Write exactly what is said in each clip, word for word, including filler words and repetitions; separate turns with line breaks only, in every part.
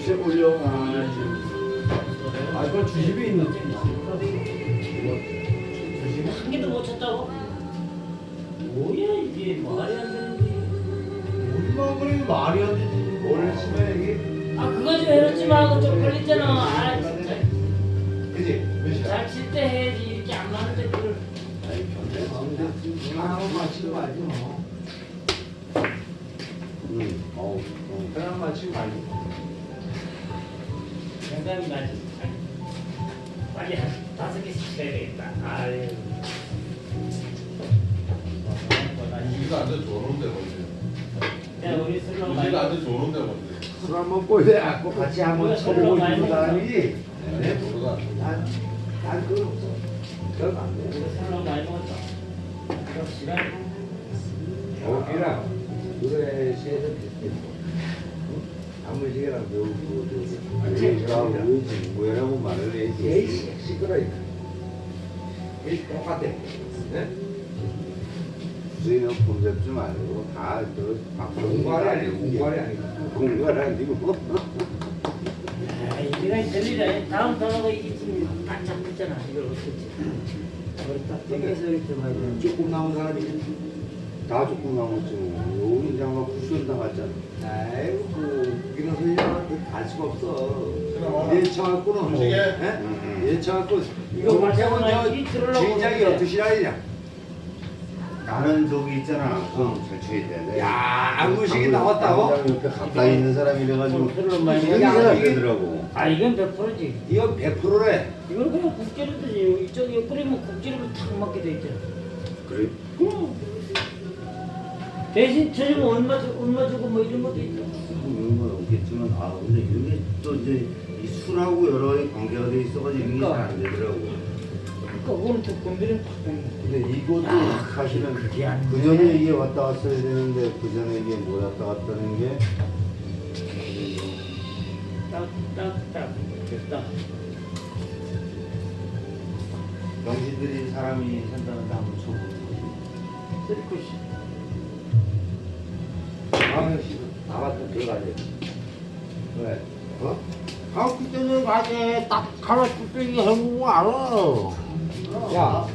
글쎄 올려. 아, 그건 주집에 있는 게
한 개도 못 쳤다고? 뭐야 이게 말이 안 되는데.
우리만 그래 말이 안 되지. 뭘 치면 이게.
아 그거 좀 해놓지 마. 그거 좀 걸리잖아. 아 진짜.
그지?
잘 칠 때 해야지. 이렇게 안 맞는데 그걸.
아이 견제 가운데 하나만 맞히고 말지 뭐. 응. 어우. 하나만 맞히고 말지.
생각이 나지. 빨리 한 다섯 개씩 쳐야 되겠다. 아유.
이가 아주 좋은데 뭔데?
야 우리 술로 많이.
이가 아주 좋은데 뭔데?
술 한번 꼴려갖고 같이 한번 쳐보고 싶은 사람이지.
네, 모르다.
난, 난 그건 없어. 그건 안 돼.
우리 술로 많이 먹었다. 그럼 시간.
여기랑 노래 시에서 비슷했어. 아무지게랑 배우고 저기가 우지 뭐라고 말을 해야지. 시끄러니까. 이게 똑같아. 네? 수인은 공잡지 말고 다그 공갈이 아니고 공갈이 아니고 공갈이 아니고.
아 이제가 들리라. 다음 단어가 이게 지금 딱 잡고 있잖아. 이걸 어떻게? 우리 딱 땡겨서 이렇게 봐야 돼.
조금 나온 사람이 다 조금 나왔지 뭐. 여기 이제 아마 쿠션 당했잖아. 아이고 뭐 이런 소리는 갈 수가 없어. 예쳐갖고는 뭐
음식에?
예쳐갖고
이거 맞춰서 이 들으려고
진작이
그러는데.
어떻게 시라이냐.
나는 저기 있잖아. 어, 잘 쳐야 돼.
야 안무식이 나왔다고?
옆에 가까이 있는 사람이래가지고
술을 많이
이게
먹어.
안 되더라고.
아 이건 백 퍼센트지.
이건 백 퍼센트래.
이걸 그냥 국제로 드지. 이쪽에 끓이면 국제로 탁 맞게 돼 있잖아.
그래?
그럼 대신 저주면 얼마 주 얼마 주고 뭐 이런 것도 있잖아.
이런 건 없겠지만 아 근데 이게 또 이제 이 술하고 여러 가지 관계가 돼 있어가지고 이게 잘 안 되더라고.
그러니까 그거는 또 건드리면 탁 되는 거야.
근데 이것도 사실은
그게 안
그
돼.
전에 이게 왔다 갔어야 되는데 그 전에 이게 못 왔다 갔다는 게
딱딱딱 됐다.
정신들인 사람이 산다는데 한번 쳐보고.
쓰리코시.
강현 씨도 나갔다 들어가야 돼. 왜? 어?
아, 그때는 아재 딱 하나 뚝배기 해보고 알아.
야,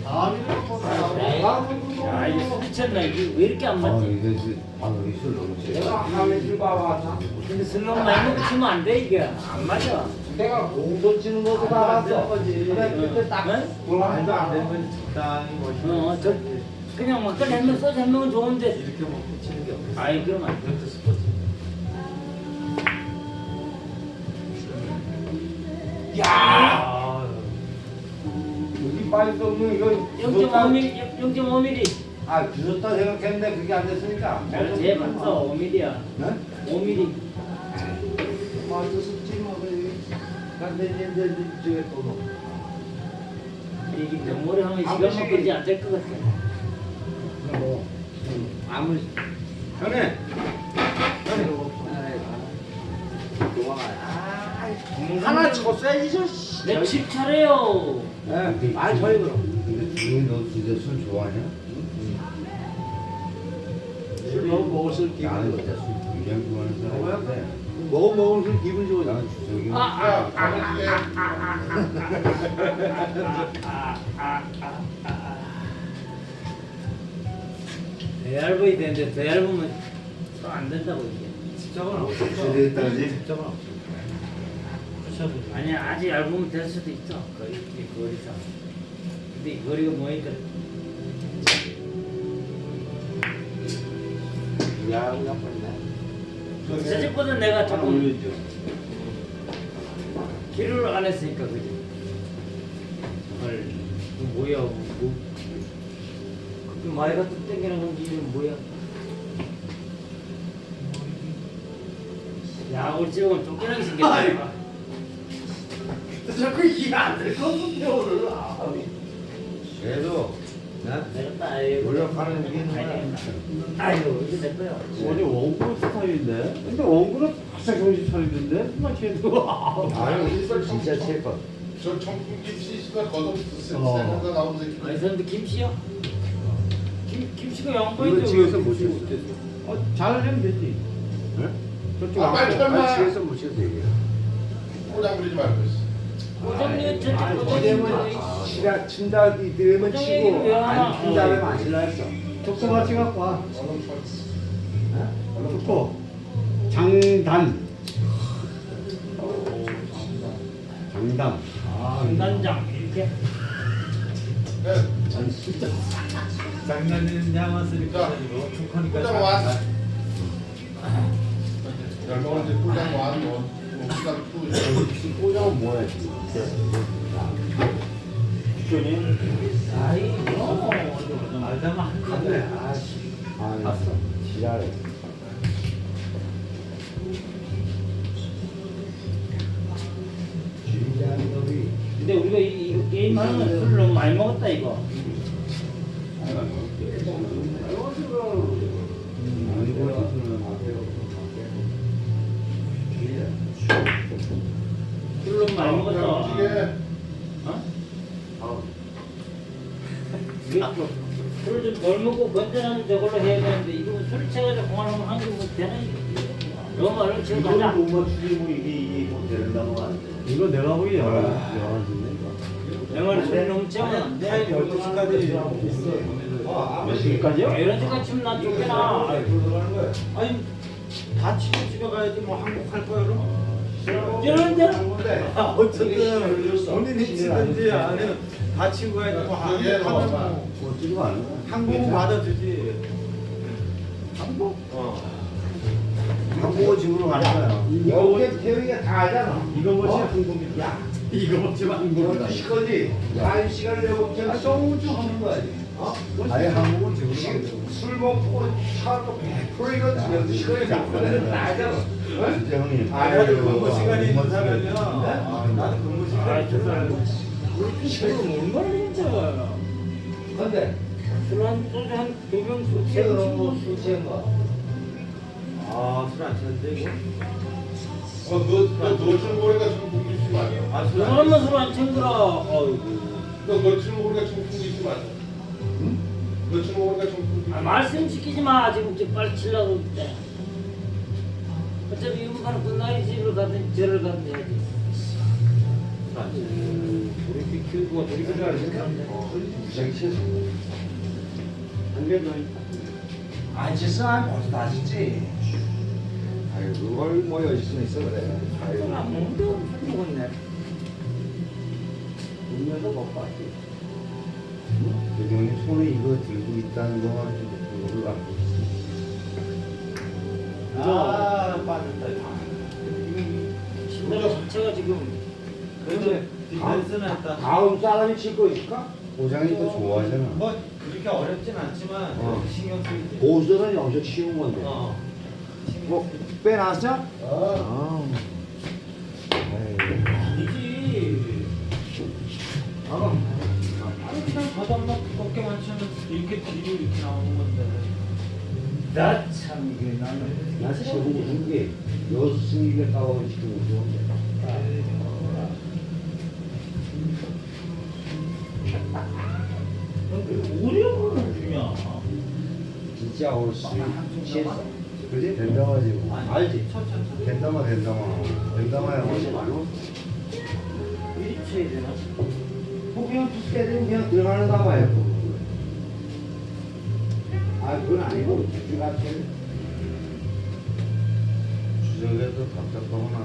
야 이거 미쳤나 이게 왜 이렇게 안
아
맞지?
이게 그- 아 여기 술 너무 세.
내가 하회줄 봐봤나?
근데 술 너무 많이 먹고 치면 안 돼 이게 안 맞아.
내가 공소 치는 것도 봐봤어. 근데 그때 딱
응?
말도 안 되는 건 적당히 멋있는
어, 저 그냥 막걸리 한 명 소주 한 명은 좋은데.
이렇게 먹고 치는 게 없어.
아이 그럼 안 돼.
이것도 스포츠. 야! 여기 빠질 수 없는 이건
영점오 밀리미터, 영점오 밀리미터.
아, 주셨다 생각했는데 그게 안 됐으니까.
내가 제일 봤어, 오 밀리미터야.
네?
오 밀리미터.
맞아, 숙지 뭐, 근데 이제 이제 저게 또 뭐.
이게 명모를 하면 시간만 걸리지 않을 것 같아.
뭐, 아무리. 형님! 형님! 하나 쳤어야지, 저 씨.
내 집 차례요.
예, 말 저희 그럼.
근데 주인 너 진짜 술 좋아하냐?
술 너무 먹었을 기분
나는
좋아.
진짜 술 굉장히 좋아하는 사람인데
먹어 먹으면 기분 좋아.
나는 주석이
아, 아, 아, 아, 아, 아, 아, 아. 더 얇아야 되는데 더 얇으면 또 안 된다고 이게.
저건 없어.
술에 따지?
저건 없어.
아니야 아직 얇으면 될 수도 있어. 거의 이 거리상. 근데 이 거리가 뭐니까
야, 우리 아빠 있네.
저쪽보다 내가
하나
조금
올려줘.
길을 안 했으니까 그지. 헐, 이거 뭐야? 뭐? 그 많이 갖다 땡기는 건지 이건 뭐야? 야, 우리 집은 쫓겨나게 생겼다.
자꾸 이해 안될 것 같은데 오늘. 아,
그래도
나
내가 딱 아이고.
노력하는 게 뭐야?
아이고, 이거 내 거야.
원래 원고 스타일인데? 근데 원고는 바짝 정신 차리는데? 막 걔도.
아유 진짜 칠것.
저 청풍 김씨가 겉옷
어.
생각나 나오는 새끼.
아니, 근데 김씨야? 김, 김씨가
이거
양보인데.
집에서 못 쳤어.
어, 잘 하면 되지.
네?
저쪽
아, 빨리
안
빨리.
아 집에서 못 쳤어 이게.
꼬장 부리지 말고 있어.
고정이 저
아니,
고정이
어제는 치라 친다기 들으면
고정
치고
얘기를 왜 하나?
안 친다면 안 칠라 했어.
족소 같이 갖고 와.
얼른 쳐.
좋고. 장단. 장담.
아, 단장 이렇게.
네.
장난은 야마스니까
자,
아니고 축하니까
꼬장 완. 열 명은 이제 꼬장 완, 뭐, 뭐, 꼬장 투.
꼬장은 뭐야 지금?
주전이.
아이 뭐.
알다만 한
갔네.
가지
아씨. 아, 갔어. 지랄해. 지랄이.
근데 우리가 이, 이거 게임하는 건 술을 너무 많이 먹었다 이거. 술을 너무 많이 먹었어.
움직여.
어? 이게 술을 좀 덜 먹고 건전한 저걸로 해야 되는데 이거 술 채가지고 공활하면 한개뭐 되나 이거? 너무 말로 지금
이거는
가자.
못 맞추지 뭐 이게 이게 뭐 되는 단어가 안 돼.
이거 내가 보기 열한 열한인데.
내 말은 술 너무 채우면 안
타임
돼.
열두 시까지
몇 시까지요?
이런 데까지 치면 나 쫓겨나.
아니 다 치고 집에 가야지 뭐 한국 할 거야 그럼?
이러는데
아 어쨌든 본인이 치든지 아니면 다 치고 가야지 뭐 한국
예,
하면 뭐
뭐 찍어 안 해.
한국은 받아주지.
한국?
어.
한국어 집으로 가는 거야.
여기 태우기가 다 하잖아.
이거 뭐지?
어?
한국이야. 이거 뭐지? 한국이다.
열두 시까지 한 시간을 내고 그냥 소주 하는 거야. 어?
아예 한국어 집으로 가는
지금 술 먹고 차도 백 퍼센트 열두 시까지 잡거든. 다 하잖아.
거야. 진짜 형님.
아,
나도
아이고,
근무 시간이
못
있다면요.
맞추겠다.
나는 근무
아,
시간이
저
있다면
지금 얼마나 괜찮아.
근데
술한 소주 한두 병 술
지금
채우고
뭐술 취한 거.
아술 안 취했는데 이거?
어, 너, 너, 너 치는 거니까 지금 공기 치 마냐.
아
그
술 안
사람만 술안 챙겨라. 어이구.
너, 너 치는 거니까 지금 공기 치 마냐. 응? 너 치는 거니까 지금 공기
아, 말씀 시키지 마. 지금 지금 빨리 치려고 그때. 어차피 이번 끝나야 집을 가든 절을 가든 해야지. 우리 비 키우고 우리 비
무지하게 취했어.
한개 더.
안 취했어? 아, 벌써 다 취지. 아유, 그걸 뭐 여지순 있어 그래. 아유.
안 먹는데 술 먹었네.
음료도 못 봤지.
그 형님 손에 이거 들고 있다는 거만 좀 그걸 갖고 있어.
아 빠졌다.
신나가 자체가 지금
그런데 디펜스는 했다.
다음 사람이 칠 거 있을까?
고장이 또 좋아하잖아.
뭐 그렇게 어렵진 않지만
어.
신경 쓰이지.
고수는 엄청 쉬운 건데.
어.
뭐 빼놨어?
어.
아니지. 아, 아니 그냥 바닥만 두껍게만 치면 이렇게 뒤로 이렇게 나오는 건데.
나참 이게 나는
나 최고 무슨 게 여승이가 까고 시키는 거 좋은데.
오려고는 중이야.
진짜 올수 취했어.
그지? 된다마지 뭐.
알지?
천천히.
된다마 된다마. 된다마야
훨씬
뭐.
많이 먹었어.
미리 쳐야 되나?
뭐 그냥 두께 되면 그냥 들어가는 담아요. 아 그건 아니고 주주 같은.
주적에도 답답하구나.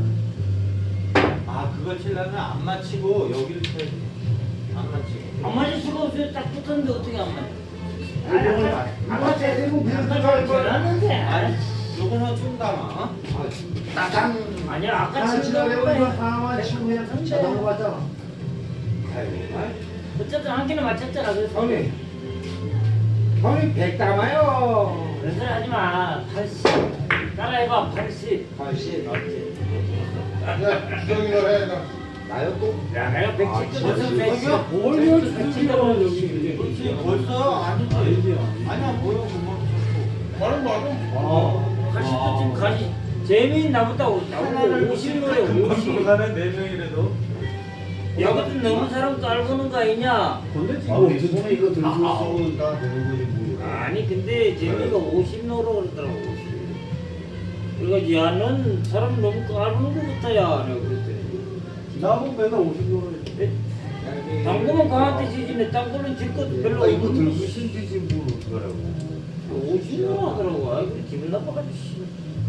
아 그거 치려면 안 맞히고 여기를 쳐야 돼. 안 맞히고.
안 맞을 수가 없어요. 딱 붙었는데 어떻게 안 맞아?
아니 안 맞아야 되고 그냥 들어갈 거야.
잘하는데.
아니 요거는 좀 담아. 어?
딱한
아니야 아까
하나
치는
치려고
거보다
이거 하나만 치고 그냥 쳐 넘어갔잖아. 아이고.
어쨌든 한 개는 맞췄잖아. 그래서
형님, 형님 백 담아요.
그런 소리 하지 마. 팔십. 따라해봐. 팔십.
팔십.
맞지?
야, 주정이로 해. 나.
나요 또?
야 내가 백칠
아,
무슨
진짜.
백칠.
뭘 여주냐고 여기.
그렇지 벌써 아니지.
아니지.
아니야 뭐야 그만 쳤고.
말은 말은.
어. 팔십도 지금 가지. 재미는 나보다 나보고 오십 노래 오십.
가는 네 명이라도.
야 그때 너무 사람 깔보는 거 아니냐?
근데
아,
지금
우리 손에 이거 들고 있으면 다 되는 거지 뭐.
아니 근데 재미가 오십 노로 그러더라고. 그래가지고 야넌 사람 너무 까부는 거 같아야 내가 그랬더니
나보고 맨날 오십 원
당구만 강한테 지지네 당구는 질것 별로
아 이거
없는
들고 신지지 뭘 어떡하라고.
오십 원 하더라고. 아이 그래 기분 나빠가지고 씨.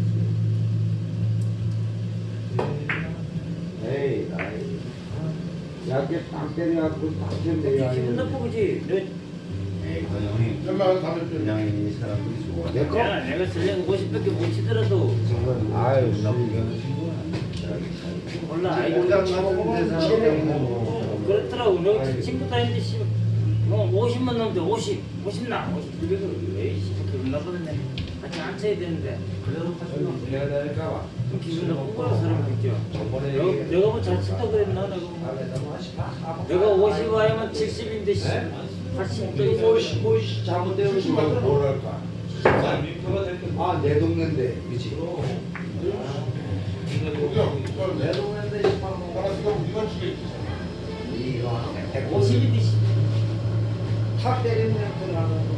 에이, 아이. 약게 딱 때려갖고 딱
어떻게
때려야
기분 나빠 그지? 너
에이 그 형님
연락은 담배 피우고.
그냥 이 사람들이 좋아.
내 거?
내가 내가 설령 오십밖에 못 치더라도
아유,
나쁘게
씨.
하는 친구야.
몰라. 아이
고장 같은 데서
어, 그렇더라고. 너 친구 다니는데 씨. 뭐 오십만 넘는데 오십, 오십 나, 오십 그래 왜 씨, 기분 나쁘던데. 같이 앉혀야 되는데.
내가 될까봐.
그럼 기분 나쁜 거야 사람 그죠?
저번에
내가 내가 뭐 잘 친다 그랬나 내가 뭐. 내가 오십 와야만 칠십인데 씨. 팔십 도
뭐,
이상.
뭐, 잘못되면 누가 뭘 할까? 아, 내 동네인데, 그치? 내 동네인데,
하나씩 이건 주겠지.
이거
오십인데 씨.
탁 때리면 그냥 들어가는 거.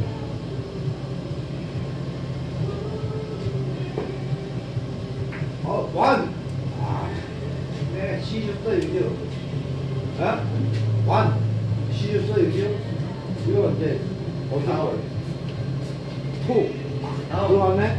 어, 완! 아, 네, 시줬어, 이제. 어? 완! 시줬어, 이제. 이거 이제, 어디서 거예요? 투! 들어왔네?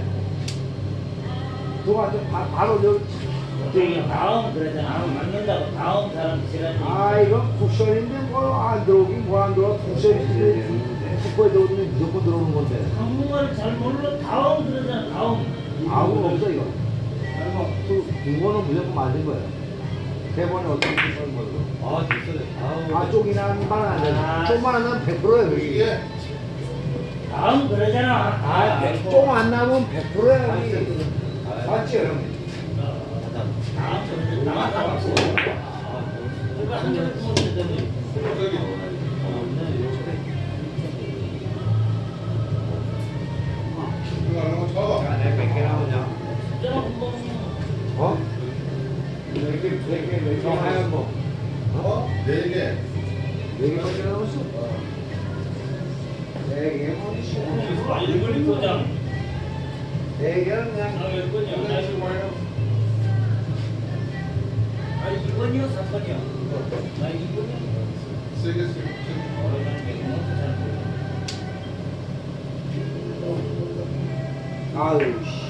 들어왔죠? 바, 바로 여기.
저기 다음 그러잖아. 아, 맞는다고 다음 사람 지랄이.
아, 이건 쿠션인데 뭐 안 들어오긴 뭐 안 들어와. 쿠션이 축구에 들어오면 무조건 들어오는 건데.
한국말을 잘 몰라 다음 그러잖아. 다음.
아무 없어, 이거. 두, 두 번은 무조건 맞은 거예요. 세 번에 어떻게 쓰는 거예요?
아 됐어요.
아, 쪽이나 한 번은 안
아.
돼. 쪽만 안 나면 백 퍼센트예요, 여기.
이게
다음 그러잖아.
아,
아,
쪽안 나면 백 퍼센트예요, 여기. 맞죠, 형님?
다음 그러잖아. 다음 다음. 누가 한 개를 못 쓰더니.
저기 이거 안 하면 쳐봐.
내가 몇 개 나오냐?
저런 뭐.
어? 몇 개, 몇 개, 몇 개, 하얀 거.
어? 네 개.
네 개밖에 남았어? 네 개, 뭐,
아, 일본이 도장.
네 개는 그냥.
아, 몇 번이야? 나
이거 뭐예요?
아, 이 번이요, 삼 번이요. 나 이 번이요.
세개 세 개.
아유, 씨.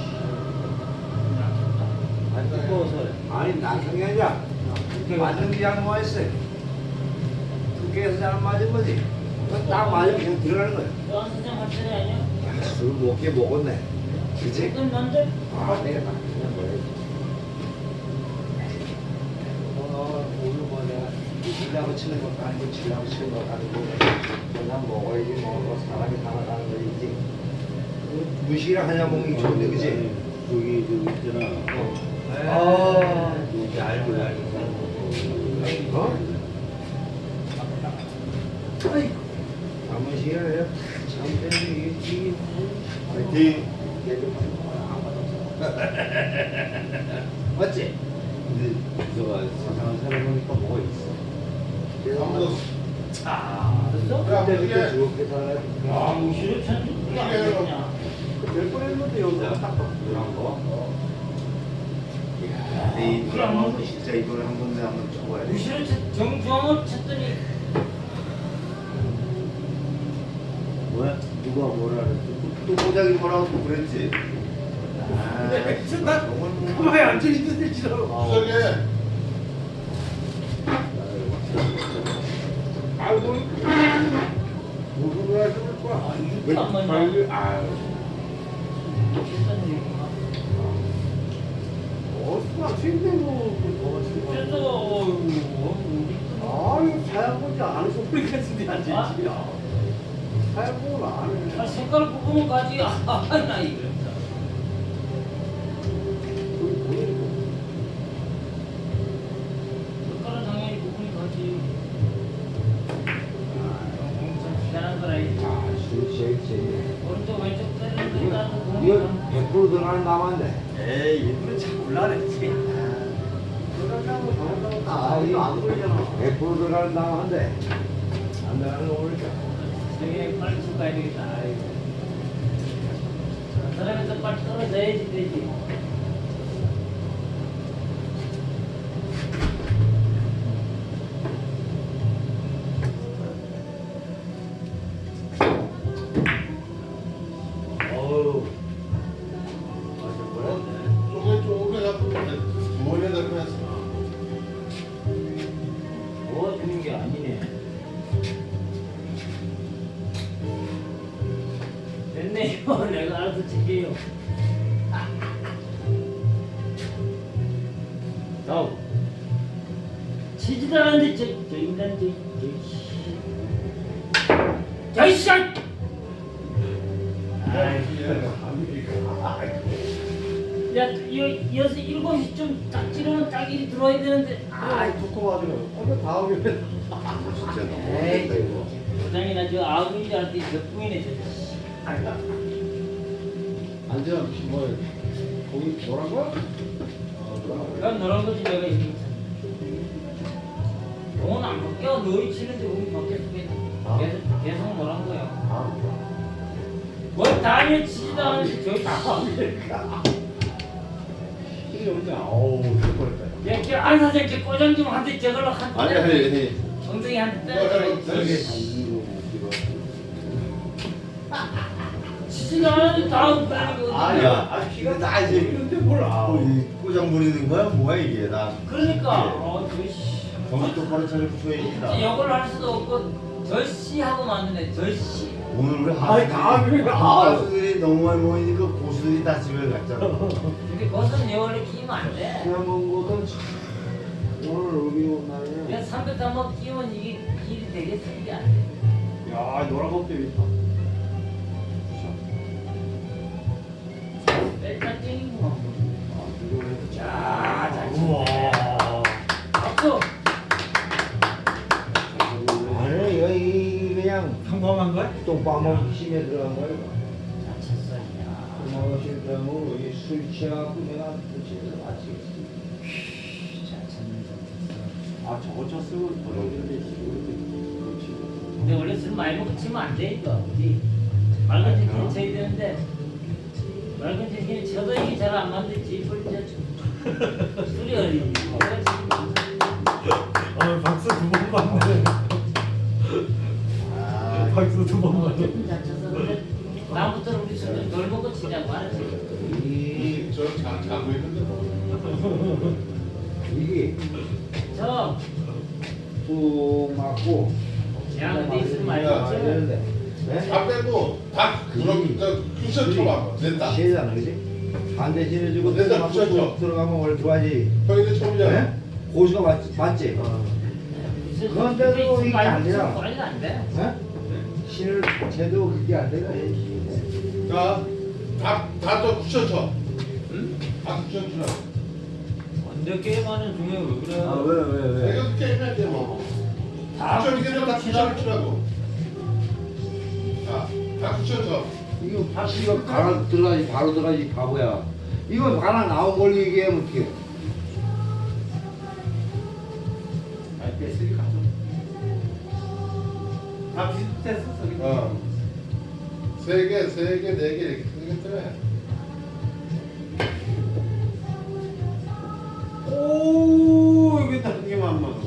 안 두꺼워서.
아니, 나중에 아니라. 맞는 게 잘못했어요. 두 개에서 잘 맞은 거지. 그건 딱 맞으면 그냥 들어가는 거야.
너한 사장 한 차례 아니야?
야, 술 먹게 먹었네. 그치?
그럼 난데?
아, 내가 다 그냥 뭐야지. 어, 오늘 뭐 내가 이기려고 치는 것도 아니고 치려고 치는 것도 아니고 그냥 먹어야지 먹어. 사람이 살아가는 거지. 무식이랑 하냐 먹는 게 좋은데, 그치?
저기 저기 있잖아.
아,
여기 알고 알고.
어? 아이, 아무 시간에 참 때문에 이게
파이팅.
맞지?
근데 저가 세상을 살아보니까 뭐가 있어.
아무도
아, 됐어?
야,
그때 그때
그게
즐겁게 살아야
아, 무시로 찬 그거 안 되냐?
몇 번 했는데 여기가 딱
그런 거. 야, 이 드라마 진짜 이걸 한 번에 한번 쳐봐야 돼.
무시로 쳤, 정중앙을 쳤더니
뭐야? 누가 뭐라 그랬어? 또, 또 보자기 뭐라고 또 그랬지? 아,
나 가만히 앉아있는데 지랄.
저기
아이고, 무슨 말 하실 거야?
왜 안 맞냐?
아유,
어수가 튀는데고
그래서
아유 사양보지 않은 소리 같은데
아?
앉아있지. 사양보는 안 해.
아, 색깔 뽑으면 가지. 아, 나 이거. 색깔은 당연히 뽑으면 가지. 아, 엄청 희한한 거라. 이.
아, 술 제일 제일.
오른쪽 왼쪽 때리는 거 일단
이거
보면
백 퍼센트 들어가는 남았네.
에이 일부러 자꾸 올라랬지. 들어간다고 들어간다고 다 이거 안 걸리잖아.
백 퍼센트 들어가는 남았는데 안 들어가는 거 모르니까.
되게 빨리 쳐 가야 되겠다. 아이고. 저 사람이 더 빨리 떨어져야지 되지. 야, 치지도 않는데 저, 저 인간 저, 저, 저, 이 시간! 야, 여, 여섯, 일곱 시쯤 딱 찌르면 딱 일이 들어와야 되는데,
아이 좋고 가지고 오늘 다음에
진짜 너무
에이,
어렵다 이거.
부장이나 저 아우인 줄 알았더니 몇 분이네, 저.
앉아 뭐 거기 노란 거야?
그럼 너런 거지, 내가 이게. 공은 안 바뀌어. 너희 치는데 공이 바뀌었으면 계속, 계속 너란 거야. 뭘 다니엘 치지도 않는데 저기
이게 언제 아우 죽어버렸다.
야, 저 안사장 저 꼬장 좀 한대 저걸로 한
아니 아니 아니.
엉덩이 한대 때려. 치지도 않는데 다음 거
아
아
야, 아 피가 나 이제 이런데 뭘 아.
뭐, 이 꼬장 부리는 거야? 뭐야 이게? 나
그러니까, 어, 저씨.
정신 똑바로 차려 붙여야겠다.
역을 할 수도 없고, 저씨 하고 만드네, 저씨.
오늘 우리
아이, 다음에 아.
하수들이 너무 많이 모이니까 고수들이 다 집에 갔잖아.
근데 거기서는 역을 끼면 안 돼.
그냥 먹은 거는 오늘 의미로 날에.
그냥 삼백 한번 끼면 이게 길이 되겠어, 이게 안 돼.
야 노란 거 때문에 있다.
뺄딱 땡기고.
아 이거는
자, 잘 치네. 박수!
아니 이거 이 그냥
평범한 거야?
똥방망이 심에 들어간 거야.
잘 쳤어, 야.
똥방망이 들어가면 술 취해갖고 내가 집에서 마치겠어.
잘 쳤네, 잘 쳤어.
아 저거 쳤으면 벌어지는데 그렇지.
근데 원래 술 많이 먹고 치면 안 돼, 이거. 우리 맑은 제끼는 쳐야 되는데, 맑은 제끼는 쳐도 이게 잘 안 만들지. 술 쳐. 술이 어리지.
어, 박수 두 번 받네.
아,
박수 두 번 받네.
잘 쳤어. 근데 다음부터는 우리 술좀 덜 먹고 치자고 알았지?
이
저잘 자고 있는데 뭐.
이게
저,
쑥 맞고.
야, 근데 있으면 많이
야,
먹지.
되는데. 네?
다 빼고 다 그럼 저 쿠션 쳐봐. 됐다.
시잖아, 그지? 반대 지내주고
됐다,
들어가면
붙였죠.
들어가면 원래 좋아하지.
형이들 처음이잖아.
네? 고수가 맞지? 맞지? 그런데도 이게 안 되나?
관리가 안 돼.
네? 신을 제도 그게 안 되나?
자, 다다또 쿠션 쳐. 응? 다 쿠션 치라.
언제 게임하는 중에 왜 그래?
아, 왜, 왜, 왜?
내가 게임할 때 뭐.
다
쿠션 이게 다 쿠션을 치라고. 자, 다 쿠션 쳐.
이거 이거 가라 들어가지 바로 들어가지 바보야. 이거 가라 나온 걸로 얘기하면 어떡해?
아이 뺐으니 가져. 다 비슷했어 저기.
어. 세 개, 세 개, 네 개 이렇게 생겼더래.
오 이게 한 개만 맞아.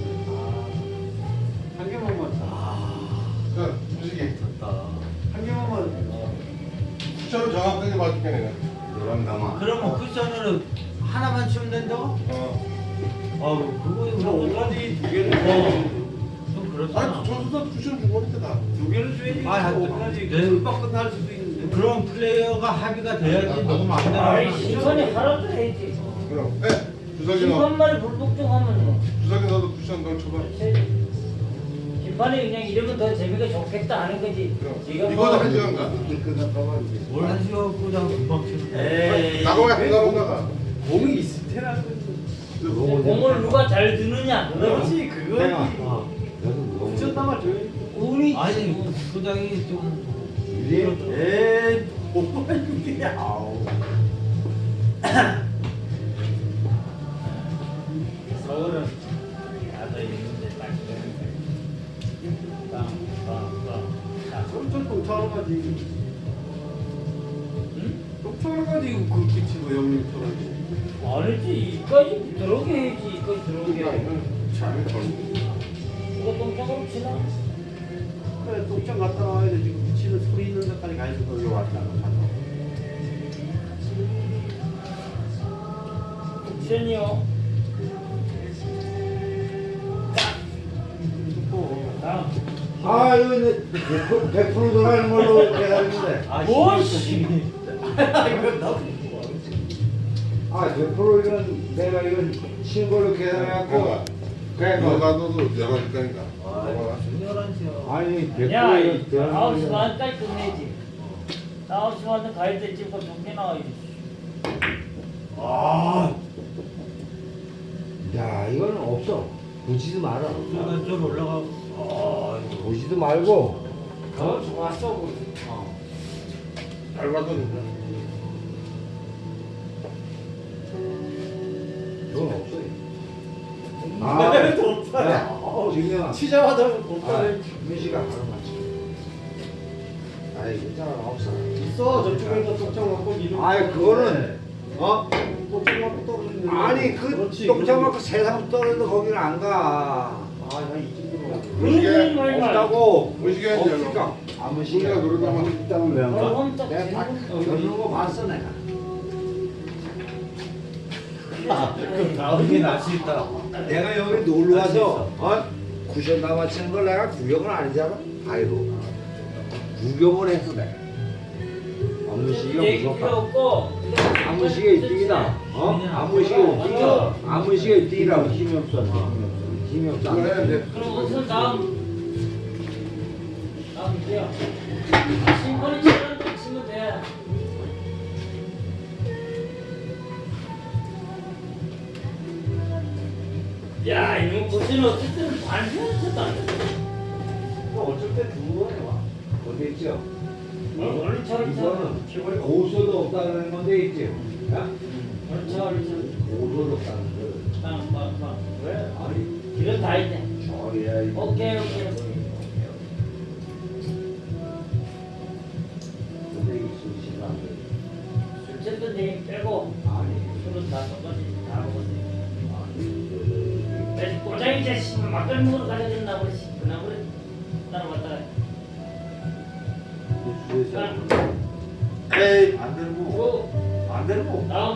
한 개만 맞아.
자, 무식이.
한 개만 맞아.
쿠션을 정확하게 맞출게 내가.
노랑 담아.
그러면 쿠션으로 하나만 치면 된다고?
어.
아, 그거
그럼 오까지 두 개를
좀 그렇잖아.
아니, 저수다 쿠션 주고 있다 다.
두 개를 줘야지.
아, 한-
오까지
네.
금방 끝날 수도 있는데.
그럼 플레이어가 합의가 돼야지 너무 안
아이,
되나?
심판이 하라도 해야지.
그럼. 네. 주석이 너.
심판말이 불복종하면 뭐.
주석이 너도 쿠션 너 쳐봐.
그렇지. 심판이 그냥 이러면 더 재미가 좋겠다 하는 거지.
그럼.
지금
이거도
뭐
한 시간 가.
이렇게 끝났다고 이제.
뭘한 시간 끄자 금방 치는
에이.
나가면 안 나온다가.
공이 있을 테라는 거지.
공을 누가 잘 드느냐.
그렇지
내가.
그거지.
아,
여기서 너무
쿠션 담아줘야지.
운이
아니 소장이 좀
이래?
에이 뭐가 이게 아우.
서울은 야도 있는데 딱 되는데. 빵빵빵.
엄청 똥차로 가지.
응?
똥차로 가지 이거 그렇게 치고 형님처럼.
아니지 이까지 들어오게 해야지 이까지 들어오게.
잘 걸.
이거 똥장으로 치나?
그래 똥장 갔다 와야 돼. 지금 미치는 소리 있는 데까지 가야지 거기 왔다가 가서.
옵션이요. 다음.
아 이거 이제 백 퍼센트 돌아가는 걸로 해야 되는데.
아,
뭐,
씨. 이거 나도
아, 백 퍼센트 이건 내가 이건 치는 걸로 계산해갖고.
뭐가?
그래, 뭐.
너가 너도 열한 시까니까.
아, 열한 시요.
아니, 백
야,
퍼센트 이건
아홉 시
대한민국.
반까지 끝내지. 아홉 시 반에 가야 돼. 지금 정리 나와야지.
아. 야, 이거는 없어. 보지도 마라.
저는 좀 올라가고. 아,
보지도 말고.
더 좋았어. 그. 어.
잘 봤거든.
이건 없어. 아,
덥다.
야, 지금
치자마자
아,
덥다네.
민씨가 바로 맞지. 아이, 괜찮아, 없어.
있어, 저쪽에서 똥장 맞고 이름.
아이, 그거는, 어?
똥장 맞고 떨어지는.
아니, 그
그렇지,
똥장
그렇지.
맞고 세상 떨어져도 거기는 안 가.
아, 나이 정도로.
그런 말 말.
없다고.
무시게 하지
없으니까. 아무 시간.
우리가 그러다만
있다면 왜안 가?
그럼 딱
내가 다
되는
겪는 거 봤어, 내가.
그럼 다음에 날수 있다.
내가 여기 놀러 와서, 어? 쿠션 다 맞히는 걸 내가 구경을 안 했잖아? 아이고. 구경을 했어, 내가. 안무시기가
얘기 필요
무섭다.
없고.
안무시가 일 등이다. 어? 안무시가 일 등이다. 안무시가 일 등이라고. 힘이 없어, 힘이 없어. 힘이 없어.
그거 해야 돼.
그럼 우선 다음. 다음 돼요. 심판이 치면 치면 돼. 야, 이거 고치는 어쨌든 반편했었다.
어쩔 때 두 번에 와. 어디 있죠?
얼른 차, 얼른 차.
이거는 고소도 없다는 건데 있지? 야?
얼른 차, 얼른 차.
고소도 없다는 거.
빵, 빵, 빵. 왜?
아니,
길은 다 있네.
저리야, 이거.
오케이, 오케이.
근데 이 수시가 안 돼.
술 취했던 얘기 빼고
아니,
술은 다 똑같이 다 먹었네.
아니,
그래서 꼬장이 자식 막걸리 먹으러 가야 된다 그러지. 그나 그래. 나는 왔다.
그 수에서.
에이, 안 되고.
뭐
안 되고.
다음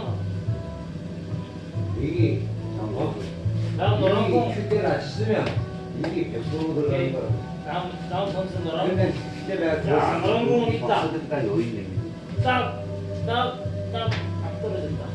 이게, 어?
다음 노란 공.
이게 큐대를 안 쓰면 이게 백 퍼센트 들어가는 거야.
다음 다음 선수 노란
근데
공.
큐대 내가
야, 노란 공 있다.
박수들까 여기 있네.
딱딱딱 떨어진다.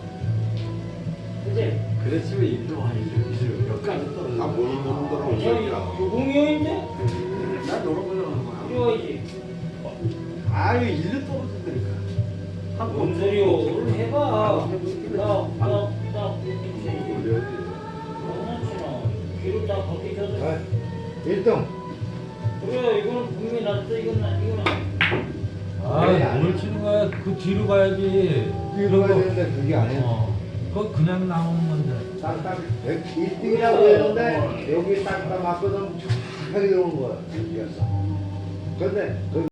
그지?
그랬으면 일도 아니죠. 이제 몇 가지 떨어져.
아, 모르는 놈들은
저
오니까.
공이인데
난 노란 거는 거야.
필요하지.
아유, 일로 떨어진다니까.
뭔 소리요? 오늘 해봐. 딱딱딱
올려야 돼.
장난치나. 귀로 딱 거기 켜서.
아, 일 등.
그래 이거는 분명히 낫다. 이건 나 이거는.
아, 뭘 치는 거야? 그 뒤로 가야지.
뒤로 가야 되는데 그게 아니야.
어. 그거 그냥 나오는 건데.
딱딱 일 등이라고 했는데 여기 딱딱 맞거든 착하게 들어온 거야. 여기였어. 근데 그